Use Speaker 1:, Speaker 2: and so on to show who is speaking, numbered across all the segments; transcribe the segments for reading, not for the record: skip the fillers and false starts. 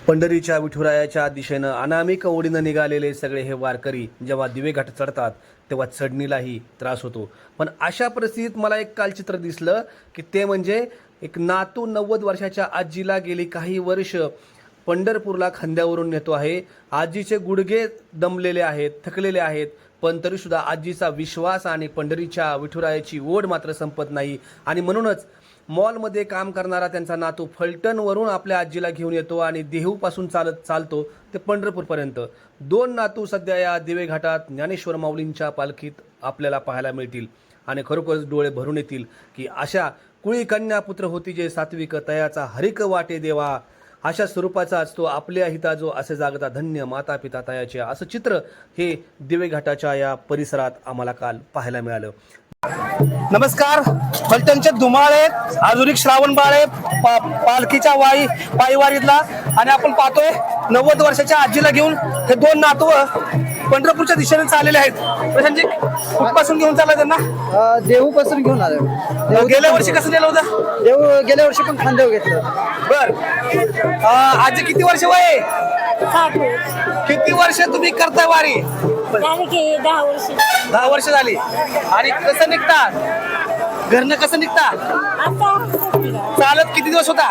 Speaker 1: पंढरीच्या विठुरायाच्या दिशेनं अनामिक ओढीनं निघालेले सगळे हे वारकरी जेव्हा दिवे घाट चढतात तेव्हा चढणीलाही त्रास होतो. पण अशा परिस्थितीत मला एक काल चित्र दिसलं की ते म्हणजे एक नातू 90 वर्षाच्या आजीला गेली काही वर्ष पंढरपूरला खांद्यावरून नेतो आहे. आजीचे गुडघे दमलेले आहेत, थकलेले आहेत, पण तरीसुद्धा आजीचा विश्वास आणि पंढरीच्या विठुरायाची ओढ मात्र संपत नाही. आणि म्हणूनच मॉलमध्ये काम करणारा त्यांचा नातू फलटणवरून आपल्या आजीला घेऊन येतो आणि देहूपासून चालतो ते पंढरपूरपर्यंत. 2 नातू सध्या या दिवे घाटात ज्ञानेश्वर माऊलींच्या पालखीत आपल्याला पाहायला मिळतील आणि खरोखरच डोळे भरून येतील की अशा कुळी कन्या पुत्र होती जे सात्विक तयाचा हरिक वाटे देवा, अशा स्वरूपाचा असतो आपल्या हिताजो असे जागता धन्य माता पिता तयाचे, असं चित्र हे दिवे घाटाच्या या परिसरात आम्हाला काल पाहायला मिळालं. नमस्कार. फलटणचे धुमाळे आधुनिक श्रावण बाळे पालखीच्या पायवारीतला आणि आपण पाहतोय 90 वर्षाच्या आजीला घेऊन हे 2 नातू पंढरपूरच्या दिशेने चाललेले आहेत. प्रशांतजी, कुठपासून घेऊन चालला त्यांना?
Speaker 2: देहू पासून घेऊन आलो.
Speaker 1: गेल्या वर्षी कसं नेलं होतं?
Speaker 2: देहू गेल्या वर्षी पण खांदेव घेतलं.
Speaker 1: बर. आजी किती वर्ष वय आहे? किती वर्ष तुम्ही करताय वारी?
Speaker 3: 10 वर्ष.
Speaker 1: 10 वर्ष झाली. आणि कसं निघता घरनं, कसं निघता? चालत किती दिवस होता?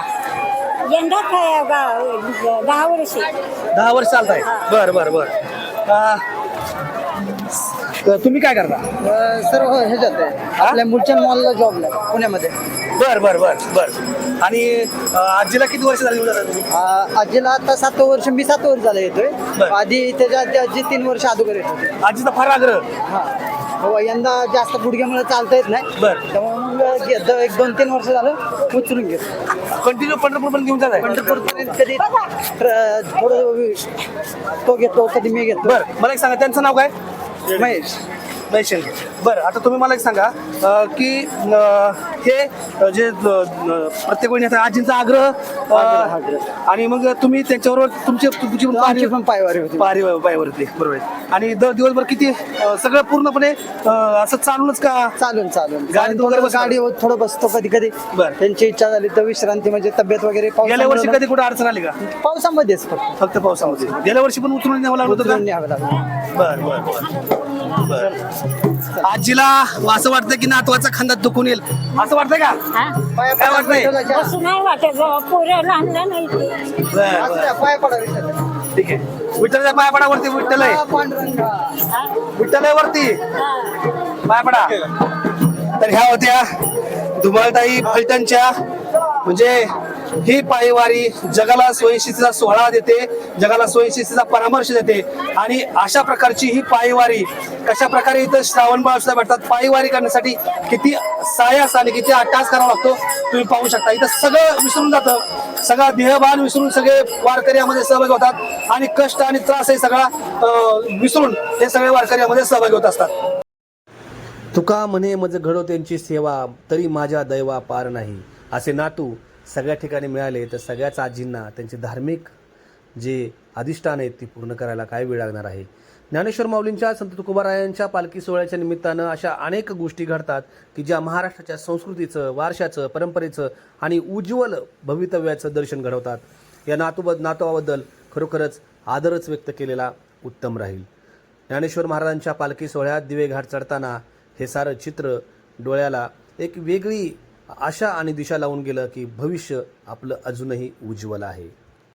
Speaker 3: 10 वर्ष.
Speaker 1: 10 वर्ष चालताय. बर बर बर. तुम्ही काय करता?
Speaker 2: सर्व ह्याच्यात आहे आपल्या मुलचंद मॉलला जॉबला पुण्यामध्ये.
Speaker 1: बर बर बर बर. आणि आजीला किती वर्ष झाली तुम्ही?
Speaker 2: आजीला आता 7 वर्ष, मी 7 वर्ष झालं येतोय. आधी त्याच्या आजी 3 वर्ष अगोदर येत होते.
Speaker 1: आजीचा फार आग्रह.
Speaker 2: हा, यंदा जास्त गुडघ्यामुळे चालता येत नाही.
Speaker 1: बर.
Speaker 2: त्यामुळे मग 1-2-3 वर्ष झालं उचलून घेतो.
Speaker 1: कंटिन्यू पंढरपूर पण घेऊन जात
Speaker 2: पंढरपूरपर्यंत कधी थोडं तो घेतो, कधी मी घेतो.
Speaker 1: बर. मला एक सांगा, त्यांचं नाव काय?
Speaker 2: महेश.
Speaker 1: बरं, आता तुम्ही मला एक सांगा की हे जे प्रत्येक वेळी आजींचा आग्रह आणि मग तुम्ही त्याच्याबरोबर तुमची
Speaker 2: पण पायवारी होती.
Speaker 1: पायवरती. बरोबर. आणि दिवसभर किती सगळं पूर्णपणे असं चालूनच का?
Speaker 2: चालून
Speaker 1: गाडी
Speaker 2: थोडं बसतो कधी कधी.
Speaker 1: बरं.
Speaker 2: त्यांची इच्छा झाली तर विश्रांती, म्हणजे तब्येत वगैरे.
Speaker 1: गेल्या वर्षी कधी कुठे अडचण आली का?
Speaker 2: पावसामध्येच
Speaker 1: फक्त पावसामध्ये. गेल्या वर्षी पण उचलून न्यावं लागलं होतं का?
Speaker 2: न्यावं लागलं.
Speaker 1: बर बर बर. आजीला असं वाटतं की नातवाचा खांदा दुखून येईल, असं वाटतंय का? काय वाटतंय?
Speaker 3: असं नाही वाटत, पोरं लहान नाही ते.
Speaker 2: पाय पडा विषय.
Speaker 1: ठीक आहे. विठ्ठलच्या पायापडावरती विठ्ठल वरती पायपडा. तर ह्या होत्या धुमाळताई फलटणच्या. म्हणजे ही पायवारी जगाला स्वयंशिस्तीचा सोहळा देते, जगाला स्वयंशिस्तीचा परामर्श देते. आणि अशा प्रकारची ही पायवारी कशा प्रकारे इथं श्रावण बाळ सुद्धा भेटतात. पायवारी करण्यासाठी किती सायास आणि किती अट्टास करावा लागतो तुम्ही पाहू शकता. इथं सगळं विसरून जातं, सगळा देहभान विसरून सगळे वारकरी यामध्ये सहभागी होतात आणि कष्ट आणि त्रास हे सगळा विसरून हे सगळे वारकरी यामध्ये सहभागी होत असतात. तुका म्हणे मज घडो त्यांची सेवा, तरी माझ्या दैवा पार नाही. असे नातू सगळ्या ठिकाणी मिळाले तर सगळ्याच आजींना त्यांचे धार्मिक जे अधिष्ठान आहेत ती पूर्ण करायला काय वेळ लागणार आहे. ज्ञानेश्वर माऊलींच्या संत तुकोबारायांच्या पालखी सोहळ्याच्या निमित्तानं अशा अनेक गोष्टी घडतात की ज्या महाराष्ट्राच्या संस्कृतीचं, वारशाचं, परंपरेचं आणि उज्ज्वल भवितव्याचं दर्शन घडवतात. या नातवाबद्दल खरोखरच आदरच व्यक्त केलेला उत्तम राहील. ज्ञानेश्वर महाराजांच्या पालखी सोहळ्यात दिवे घाट चढताना हे सारं चित्र डोळ्याला एक वेगळी आशा आणि दिशा लावून गेलं की भविष्य आपलं अजूनही उज्ज्वल आहे.